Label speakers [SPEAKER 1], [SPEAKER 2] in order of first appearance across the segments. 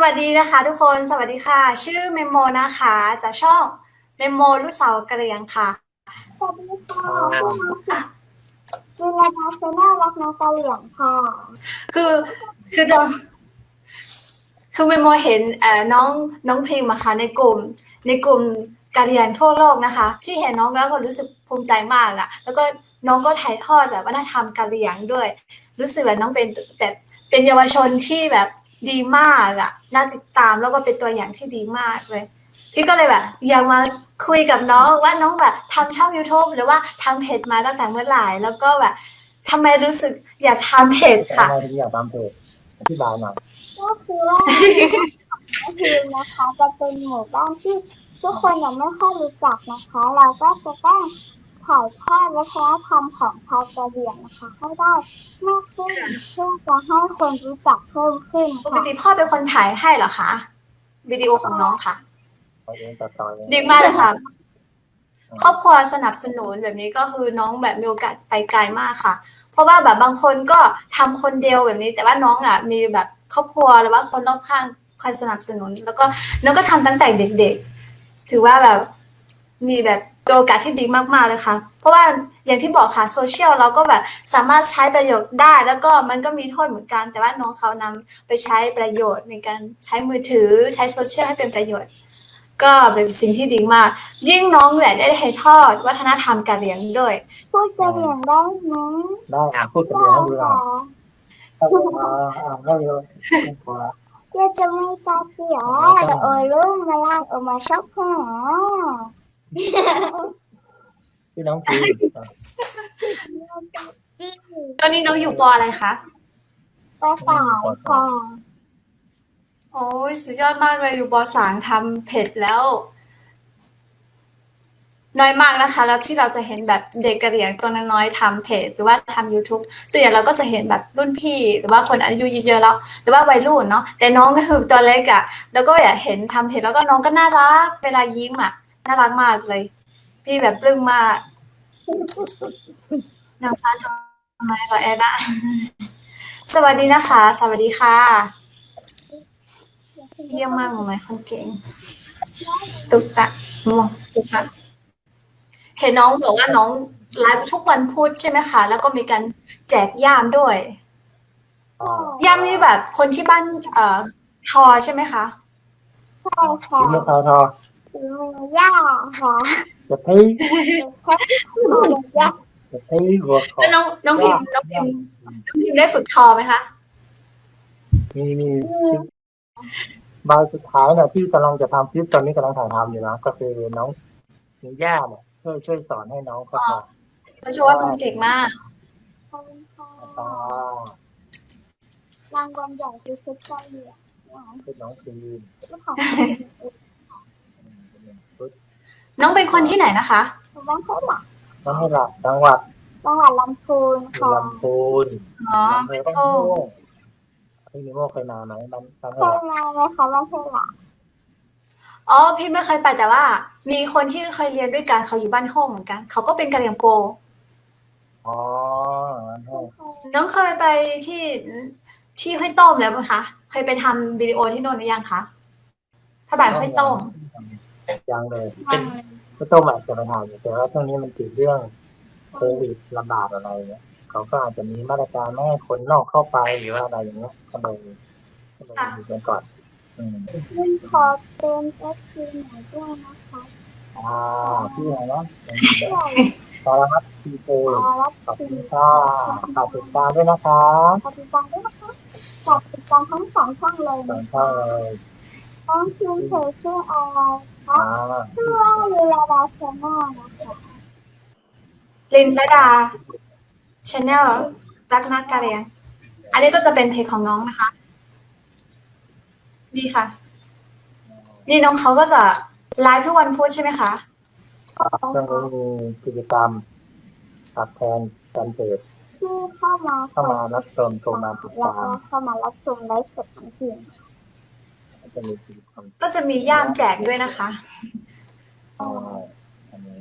[SPEAKER 1] วัสดีนะคะทุกคนสวัสดีค่ะชื่อเมโมนะคะจากช่องเมโมลูกสาวกะเหรี่ยงค่ะ
[SPEAKER 2] สวัสดีค่ะชื่อน้องสิจิรดาชาแนลรักน้องกะเหรี่ยงค่ะ
[SPEAKER 1] คือคือตอนคือเมโมเห็นน้องพิมพ์อะค่ะในกลุ่มกะเหรี่ยงทั่วโลกนะคะที่เห็นน้องแล้วก็รู้สึกภูมิใจมากอะแล้วก็น้องก็ถ่ายทอดแบบวัฒนธรรมกะเหรี่ยงด้วยรู้สึกแบบน้องเป็นแบบเป็นเยาวชนที่แบบดีมากอะน่าติดตามแล้วก็เป็นตัวอย่างที่ดีมากเลยพี่ก็เลยแบบอยากมาคุยกับน้องว่าน้องแบบทำช่อง YouTube หรือว่าทำเพจมาตั้งแต่เมื่อไหร่แล้วก็แบบทำไมรู้สึกอยากทำเพจ
[SPEAKER 3] แต่ทำ
[SPEAKER 1] ค่ะ
[SPEAKER 3] ไมถึงอยากทำเพจอธิบายหน่อย
[SPEAKER 2] ก็คือว่าหมู่บ้านของน้องพิมนะคะจะเป็นหมู่บ้านที่ทุกคนยังไม่ค่อยรู้จักนะคะเราก็จะต้องถ่ายทอดวัฒนธรรมของชาวกะเหรี่ยงนะคะให้ได้มากขึ้นเพื่อจะให้คนรู้จักเพิ่มขึ้น
[SPEAKER 1] ปก
[SPEAKER 2] ค่ะ
[SPEAKER 1] ติพ่อเป็นคนถ่ายให้เหรอคะวิดีโอของน้องค่ะ
[SPEAKER 3] เอาเองตัดต่อเอง
[SPEAKER 1] ดีมากเลยค่ะครอบครัวสนับสนุนแบบนี้ก็คือน้องแบบมีโอกาสไปไกลมากค่ะเพราะว่าแบบบางคนก็ทำคนเดียวแบบนี้แต่ว่าน้องอ่ะมีแบบครอบครัวหรือว่าคนรอบข้างคอยสนับสนุนแล้วก็น้องก็ทำตั้งแต่เด็กๆถือว่าแบบมีแบบโอกาสที่ดีมากๆเลยค่ะเพราะว่าอย่างที่บอกค่ะโซเชียลเราก็แบบสามารถใช้ประโยชน์ได้แล้วก็มันก็มีโทษเหมือนกันแต่ว่าน้องเขานำไปใช้ประโยชน์ในการใช้มือถือใช้โซเชียลให้เป็นประโยชน์ ก็เป็นสิ่งที่ดีมาก ยิ่งน้องแหละได้ถ่ายทอดวัฒนธรรมการเลี้ยงด้วย
[SPEAKER 2] พูดกะเหรี่ยงได้ไหม
[SPEAKER 3] ได้พูดกับ
[SPEAKER 2] ได้
[SPEAKER 3] เรียนให้ดูหน่อ
[SPEAKER 2] ค่ะ
[SPEAKER 3] ยได้เลยพอละ
[SPEAKER 2] Dia cuma tapi ya,
[SPEAKER 3] ไม่ต้อง
[SPEAKER 2] ulun melang umasak ha.
[SPEAKER 3] พี่น้องพี
[SPEAKER 1] ตอนนี้น้องอยู่ปออะไรคะ
[SPEAKER 2] Pasal ha.
[SPEAKER 1] โอ้ยสุดยอดมากเลยอยู่ปสามทำเผ็ดแล้ว น้อยมากนะคะ แล้วที่เราจะเห็นแบบเด็กกระเหรี่ยงตัวน้อยๆทำเพจหรือว่าทำ YouTube ส่วนใหญ่เราก็จะเห็นแบบรุ่นพี่หรือว่าคนอายุเยอะๆแล้วหรือว่าวัยรุ่นเนาะแต่น้องก็คือตัวเล็กอะ่ะแล้วก็อยากเห็นทำเพจแล้วก็น้องก็น่ารักเวลายิ้มอะ่ะน่ารักมากเลยพี่แบบปลื้มมากนางฟ้าตัวน้อยรอแอดอะสวัสดีนะคะสวัสดีค่ะเยี่ยมมากหมอไหมคนเก่งตุ๊กตะมวงตุ๊กตะ เห็นน้องบอกว่าน้องไลฟ์ทุกวันพุธใช่ไหมคะแล้วก็มีการแจกย่ามด้วยย่ามนี่แบบคนที่บ้านทอใช่ไหมคะ
[SPEAKER 2] Sai
[SPEAKER 3] ถึงมือ
[SPEAKER 2] ha.
[SPEAKER 3] ทอ
[SPEAKER 2] Ya ha.
[SPEAKER 3] จะที่
[SPEAKER 2] Ya.
[SPEAKER 3] จะที่หัวคอ
[SPEAKER 1] แล้วน้องพิ
[SPEAKER 3] ย่า
[SPEAKER 1] มพ์น้องพิ
[SPEAKER 3] ย่า
[SPEAKER 1] มพ์น้องพิมพ์ได้ฝึกทอไหมคะ
[SPEAKER 3] มีบางสุดท้ายเนี่ยที่กำลังจะทำคลิปตอนนี้กำลังถ่ายทำอยู่นะก็คือน้องย่าเนี่ยช่วยสอนให้น้องเขาท
[SPEAKER 1] เพราะเชื่อว่าน้องเก่งมาก
[SPEAKER 3] ำตาร
[SPEAKER 2] างวัลใหญ่คือชุดเกาหลี
[SPEAKER 3] คือน้องพีน
[SPEAKER 2] ของ
[SPEAKER 1] น้องเป็นคนที่ไหนนะคะ
[SPEAKER 2] บ้านเขาหลัก
[SPEAKER 3] น้องให้หลับจังหวัด
[SPEAKER 2] จังหวัดลำพูนค่ะ
[SPEAKER 3] ลำพูน
[SPEAKER 1] อ๋อ
[SPEAKER 3] อำเภ
[SPEAKER 1] ไม่
[SPEAKER 3] อบ้าน
[SPEAKER 1] โอ้
[SPEAKER 3] ม่วงพี่นิโมเคยมาไหมบ้านให้
[SPEAKER 2] เค
[SPEAKER 3] ห
[SPEAKER 2] ย
[SPEAKER 3] ลับ
[SPEAKER 2] มาไหมคะบ้านเขาหลัก
[SPEAKER 1] อ๋อพี่ไม่เคยไปแต่ว่า มีคนที่เคยเรียนด้วยกันเขาอยู่บ้านห้องเหมือนกันเขาก็เป็นกะเหรี่ยงโป
[SPEAKER 3] อ๋อบ้านห้อง
[SPEAKER 1] น้องเคยไปที่ห้วยต้มแล้วไหมคะเคยไปทำวิดีโอที่โน่นหรือยังคะพระบาทห้วยต้ม
[SPEAKER 3] ยังเลยเป็นข้าวต้มอาจจะไปทานอยู่แต่ว่าช่วงนี้มันติดเรื่องโควิดระบาดอะไรเนี่ยเขาก็อาจจะมีมาตรการไม่ให้คนนอกเข้าไปหรือว่าอะไรอย่างเงี้ยก็เลยอยู่กันก่อน
[SPEAKER 2] คุณขอเป็นเอฟซีหน่อยด้วยนะคะ
[SPEAKER 3] อ่าพี่อะไรนะ
[SPEAKER 2] ชื่ออะไร
[SPEAKER 3] ตอนรับทีโอ
[SPEAKER 2] รับ
[SPEAKER 3] ขอบ
[SPEAKER 2] ที
[SPEAKER 3] คุณค่ะฝากติดตามด้วยนะคะ
[SPEAKER 2] ขอบคุณฟังด้วยนะคะฝากติดตามทั้งสองช่องเลย
[SPEAKER 3] สอ
[SPEAKER 2] นะ
[SPEAKER 3] งช่อ
[SPEAKER 2] คะ
[SPEAKER 3] งเลย
[SPEAKER 2] น้องชื่อเธอชื่ออะไรคะ
[SPEAKER 3] อ่า
[SPEAKER 2] ชื่อว่าลีลาดาชาแนลนะคะ
[SPEAKER 1] ลินละดาชาแนลรักนักการเรียนอันนี้ก็จะเป็นเพจของน้องนะคะดีค่ะ นี่น้องเขาก็จะไลฟ์ทุกวันพุธใช่ไหมคะ
[SPEAKER 3] ช่วงนี้มีกิจกรรมตัดแทนการเปิด
[SPEAKER 2] ที่เข้ามา
[SPEAKER 3] เข้ามารับชมโทรมาติด
[SPEAKER 2] แล้ว
[SPEAKER 3] ตาม
[SPEAKER 2] ก็เข้ามารับชมไลฟ์สดของทีม
[SPEAKER 3] จะมีกิจกรรม
[SPEAKER 1] ก็จะมีย่ามแจกด้วยนะคะ
[SPEAKER 3] อันนี้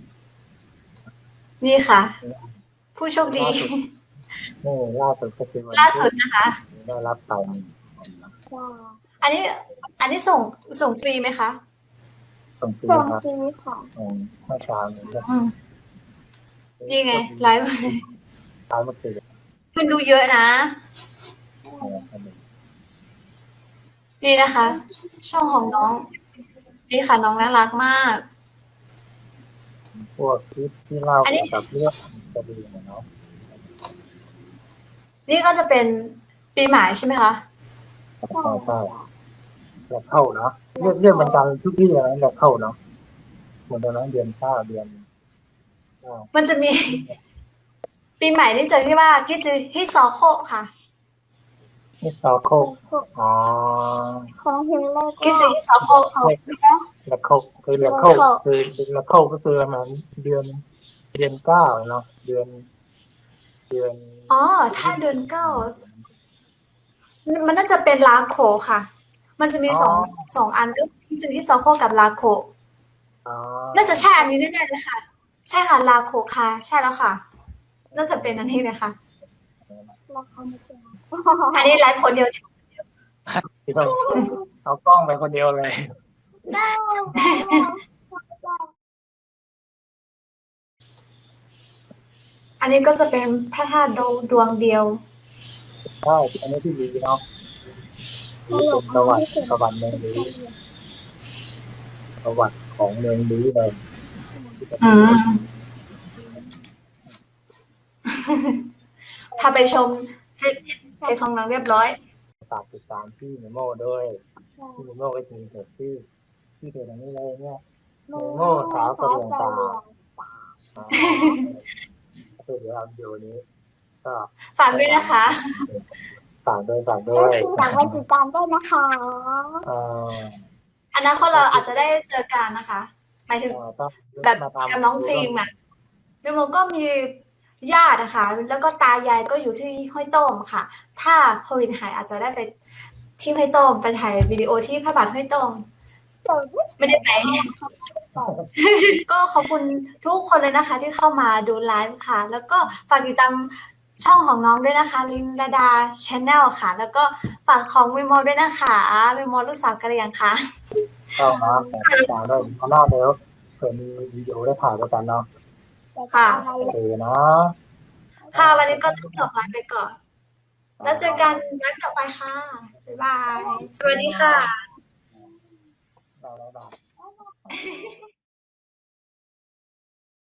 [SPEAKER 1] นี่ค่ะ ผู้โชคดี
[SPEAKER 3] นี่ล่าสุดก็คือวัน
[SPEAKER 1] ล่าสุดนะคะ
[SPEAKER 3] ได้รับไป
[SPEAKER 2] จ้า
[SPEAKER 1] อันนี้ส่งฟรีไหมคะ
[SPEAKER 3] ส่งฟรี
[SPEAKER 2] ส่ง
[SPEAKER 3] ครับ
[SPEAKER 2] ฟรีค่ะ
[SPEAKER 3] เมื่อเช้านี้ก็
[SPEAKER 1] นี่ไงไลฟ์
[SPEAKER 3] เช้าเมื่อคืน
[SPEAKER 1] คุณดูเยอะนะ นี่นะคะ ช่องของน้อง นี่ค่ะน้องน่ารักมาก
[SPEAKER 3] พวกคลิปที่เล่า
[SPEAKER 1] อันนี้
[SPEAKER 3] เกี่ยวกับเรื่องคดีเนาะ
[SPEAKER 1] นี่ก็จะเป็นปีใหม่ใช่ไหมคะ
[SPEAKER 3] ใช่แล้วเข้าเนาะเรื่องมันดังทุกที่เลยแล้วเข้าเนาะเหมือนตอนนั้นเดือน9 เดือน
[SPEAKER 1] มันจะมี ปีใหม่นี่จะที่ว่าคิดจะฮิซอโคค่ะ
[SPEAKER 3] นี่ซอโคกอ๋อ
[SPEAKER 2] ของฮิมเลอร์
[SPEAKER 1] คิดจะฮิซอโค
[SPEAKER 3] แล้วโคกคือแล้วโคกคือแล้วโคกก็คือประมาณเดือน9เนาะเดือน
[SPEAKER 1] อ๋อ ถ้าเดือน9มันน่าจะเป็นลาโคค่ะ มันจะมีสองอันก็คิดจะฮิซอโคกับลาโค
[SPEAKER 3] อ๋อ
[SPEAKER 1] น่าจะใช่อันนี้แน่ๆเลยค่ะ ใช่ค่ะลาโคค่ะ ใช่แล้วค่ะ น่าจะเป็นอันนี้เลยค่ะ
[SPEAKER 2] ราคาไม่แพง
[SPEAKER 1] อันนี้ไลฟ์คนเดียว
[SPEAKER 3] ที่ต้องเอากล้องไปคนเดียวเลย
[SPEAKER 2] ได้
[SPEAKER 1] อันนี้ก็จะเป็นพระธาตุดวงเดียว
[SPEAKER 3] ใช่อันนี้ที่ดีเนาะนี่เป็นประวัติเมืองดีประวัติของเมืองดีเลย
[SPEAKER 1] อืม พาไปชมเพจของน้องเรียบร้อย
[SPEAKER 3] ฝากติดตามพี่เนโม่ด้วยพี่เนโม่ก็จะมีเพจที่เพจอันนี้เลยเนี่ยเนโม่สาวกระเรียงตาเดี๋ยวเดี๋ยวนี้ก็
[SPEAKER 1] ฝากด้วยนะคะ
[SPEAKER 3] ฝากด้วย
[SPEAKER 2] ฝากไปติดตามด้วยนะคะ
[SPEAKER 1] อนาคตเราอาจจะได้เจอกันนะคะหมายถึงแบบกับน้องพรีมอ่ะพี่โมก็มีญาตินะคะแล้วก็ตายายก็อยู่ที่ห้วยโต้มค่ะ ถ้าโควิดหายอาจจะได้ไปที่ห้วยโต้มไปถ่ายวิดีโอที่พระบาทห้วยโต้มไม่ได้ไป ก็ขอบคุณทุกคนเลยนะคะ ที่เข้ามาดูไลฟ์ค่ะ แล้วก็ฝากติดตามช่องของน้องด้วยนะคะลินลดาชาแนลค่ะ แล้วก็ฝากของวิโมด้วยนะคะวิโมลูกสาวกะเหรี่ยงค่ะ
[SPEAKER 3] ก็มาฝากด้วยหน้าเดี๋ยวเผื่อมีวิดีโอได้ถ่ายด้วยกันเนาะ
[SPEAKER 1] ค่ะ
[SPEAKER 3] โอเคนะ
[SPEAKER 1] ค่ะวันนี้ก็ต้องจบไลฟ์ไปก่อน แล้วเจอกันไลฟ์ต่อไปค่ะ บ๊ายบาย สวัสดีค่ะ
[SPEAKER 3] บ๊ายบาย